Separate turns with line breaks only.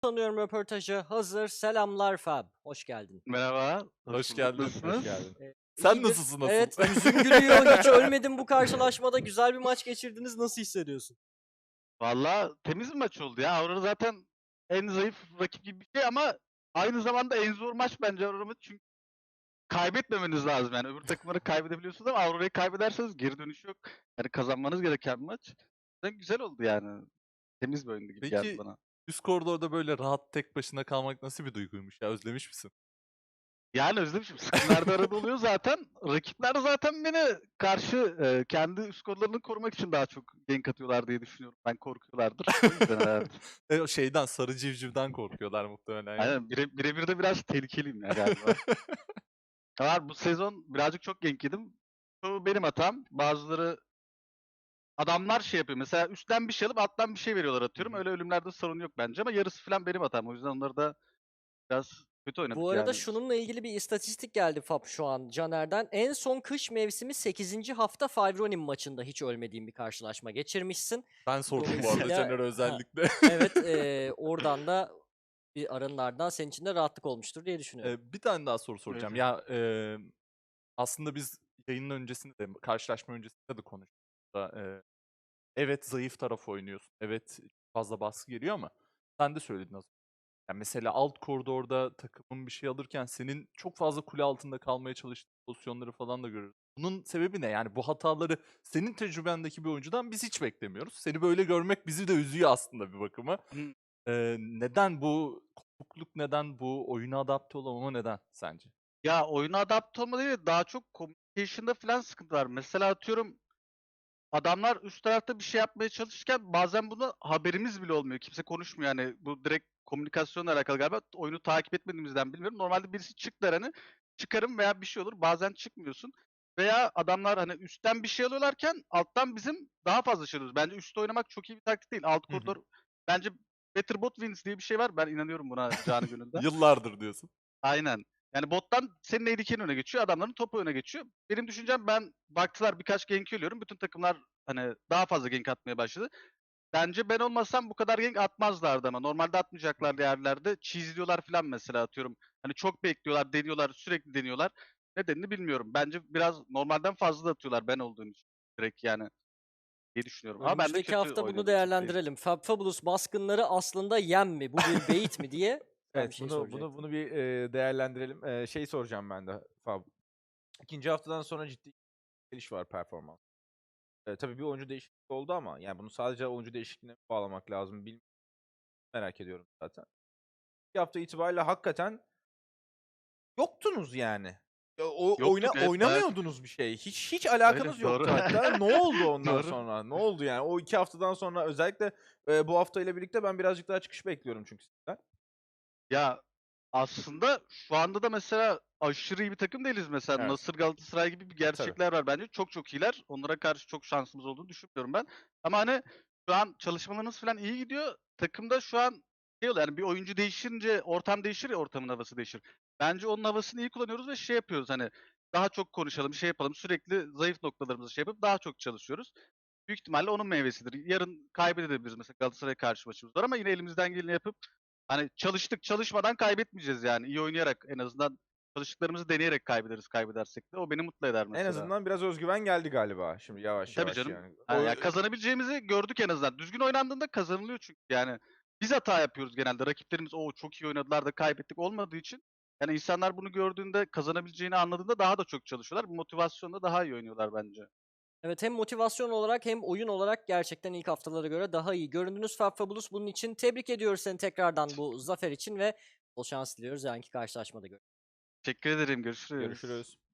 Sanıyorum röportajı hazır. Selamlar Fab. Hoş geldin.
Merhaba, hoş
Hoş
bulduk.
geldin, hoş
Nasılsınız?
geldin. Sen
İyidir.
nasılsın asıl?
Evet, yüzün gülüyor. Hiç ölmedin bu karşılaşmada. Güzel bir maç geçirdiniz. Nasıl hissediyorsun?
Valla temiz bir maç oldu ya. Aurora zaten en zayıf rakip gibi bir şey ama aynı zamanda en zor maç bence Aurora çünkü kaybetmemeniz lazım yani. Öbür takımları kaybedebiliyorsunuz ama Aurora'yı kaybederseniz geri dönüş yok. Yani kazanmanız gereken bir maç. Güzel oldu yani. Temiz bir oyundu gibi geldi
Peki
bana.
üst koridorda böyle rahat tek başına kalmak nasıl bir duyguymuş ya? Özlemiş misin?
Yani özlemişim. Scrimlerde arada oluyor zaten. Rakipler zaten beni karşı kendi üst kodlarını korumak için daha çok gank atıyorlar diye düşünüyorum. Ben korkuyorlardır. O yüzden herhalde.
O şeyden, sarı civcivden korkuyorlar muhtemelen ya.
Aynen birebir de biraz tehlikeliyim ya galiba. Ama bu sezon birazcık çok gank yedim. Bu benim hatam. Bazıları adamlar şey yapıyor. Mesela üstten bir şey alıp alttan bir şey veriyorlar atıyorum.
Hı hı.
Öyle ölümlerde sorun yok bence ama yarısı falan benim hatam. O yüzden onları da biraz kötü oynadık
Bu arada
yani.
şununla ilgili bir istatistik geldi Fab şu an Caner'den. En son kış mevsimi 8. hafta Five Ronin maçında hiç ölmediğin bir karşılaşma geçirmişsin.
Ben sordum bu arada
Dolayısıyla
Caner'e özellikle.
evet, oradan da bir arınlardan senin için de rahatlık olmuştur diye düşünüyorum.
Bir tane daha soru soracağım.
Öyle.
Ya, aslında biz yayının öncesinde de, karşılaşma öncesinde de konuştuk da, evet zayıf taraf oynuyorsun, evet fazla baskı geliyor ama sen de söyledin az önce. Ya, mesela alt koridorda takımın bir şey alırken senin çok fazla kule altında kalmaya çalıştığın pozisyonları falan da görüyoruz. Bunun sebebi ne? Yani bu hataları senin tecrübendeki bir oyuncudan biz hiç beklemiyoruz. Seni böyle görmek bizi de üzüyor aslında bir bakıma.
Hı.
Neden bu kopukluk neden? Bu oyuna adapte olamama neden sence?
Ya oyuna adapte olma değil de daha çok communication'da falan sıkıntı var. Mesela atıyorum adamlar üst tarafta bir şey yapmaya çalışırken bazen buna haberimiz bile olmuyor. Kimse konuşmuyor yani. Bu direkt komünikasyonla alakalı galiba. Oyunu takip etmediğimizden bilmiyorum. Normalde birisi çık der hani. Çıkarım veya bir şey olur. Bazen çıkmıyorsun. Veya adamlar hani üstten bir şey alıyorlarken alttan bizim daha fazla şey alıyoruz. Bence üstte oynamak çok iyi bir taktik değil. Alt
Hı hı.
koridor bence better bot wins diye bir şey var. Ben inanıyorum buna canı gönülden.
Yıllardır diyorsun.
Aynen. Yani bottan senin AD öne geçiyor, adamların topu öne geçiyor. Benim düşüncem ben baktılar birkaç gank ölüyorum. Bütün takımlar hani daha fazla gank atmaya başladı. Bence ben olmasam bu kadar gank atmazlardı ama normalde atmayacaklar yerlerde. Cheese'liyorlar falan mesela atıyorum. Hani çok bekliyorlar, deniyorlar, sürekli deniyorlar. Nedenini bilmiyorum. Bence biraz normalden fazla da atıyorlar ben olduğum için. Direkt yani diye düşünüyorum. Ama ben de
Önümüzdeki
kötü
hafta bunu
oynadığım için değil.
değerlendirelim. Fabulous baskınları aslında yem mi? Bu bir bait mi diye sen bir
Evet,
şey
bunu
soracaktın.
bir, değerlendirelim. Şey soracağım ben de Fab. 2. haftadan sonra ciddi geliş var performans. Tabii bir oyuncu değişikliği oldu ama yani bunu sadece oyuncu değişikliğine bağlamak lazım merak ediyorum zaten. 2 hafta itibariyle hakikaten yoktunuz yani.
Yoktuk evet bayağı
Oynamıyordunuz bir şey. Hiç
öyle
alakanız
doğru.
yoktu hatta. Ne oldu ondan
Doğru.
sonra? Ne oldu yani? O 2 haftadan sonra özellikle, bu haftayla birlikte ben birazcık daha çıkış bekliyorum çünkü sizden.
Ya, aslında şu anda da mesela aşırı iyi bir takım değiliz mesela.
Evet,
Nasır, Galatasaray gibi bir
tabii.
gerçekler var bence. Çok çok iyiler. Onlara karşı çok şansımız olduğunu düşünmüyorum ben. Ama hani şu an çalışmalarımız falan iyi gidiyor. Takımda şu an şey oluyor yani bir oyuncu değişince ortam değişir ya ortamın havası değişir. Bence onun havasını iyi kullanıyoruz ve şey yapıyoruz hani daha çok konuşalım, şey yapalım. Sürekli zayıf noktalarımızı şey yapıp daha çok çalışıyoruz. Büyük ihtimalle onun meyvesidir. Yarın kaybedebiliriz mesela Galatasaray karşı maçımız var ama yine elimizden geleni yapıp hani çalıştık, çalışmadan kaybetmeyeceğiz yani. İyi oynayarak en azından çalıştıklarımızı deneyerek kaybederiz kaybedersek de. O beni mutlu eder
En
mesela.
azından biraz özgüven geldi galiba şimdi yavaş
Tabii
yavaş
canım.
yani.
Ha, ya kazanabileceğimizi gördük en azından. Düzgün oynandığında kazanılıyor çünkü yani. Biz hata yapıyoruz genelde. Rakiplerimiz o çok iyi oynadılar da kaybettik olmadığı için. Yani insanlar bunu gördüğünde kazanabileceğini anladığında daha da çok çalışıyorlar. Bu motivasyonla daha iyi oynuyorlar bence.
Evet, hem motivasyon olarak hem oyun olarak gerçekten ilk haftalara göre daha iyi göründünüz Fabulous. Bunun için tebrik ediyoruz seni tekrardan bu zafer için ve bol şans diliyoruz yarınki karşılaşmada.
Teşekkür ederim. Görüşürüz.
Görüşürüz.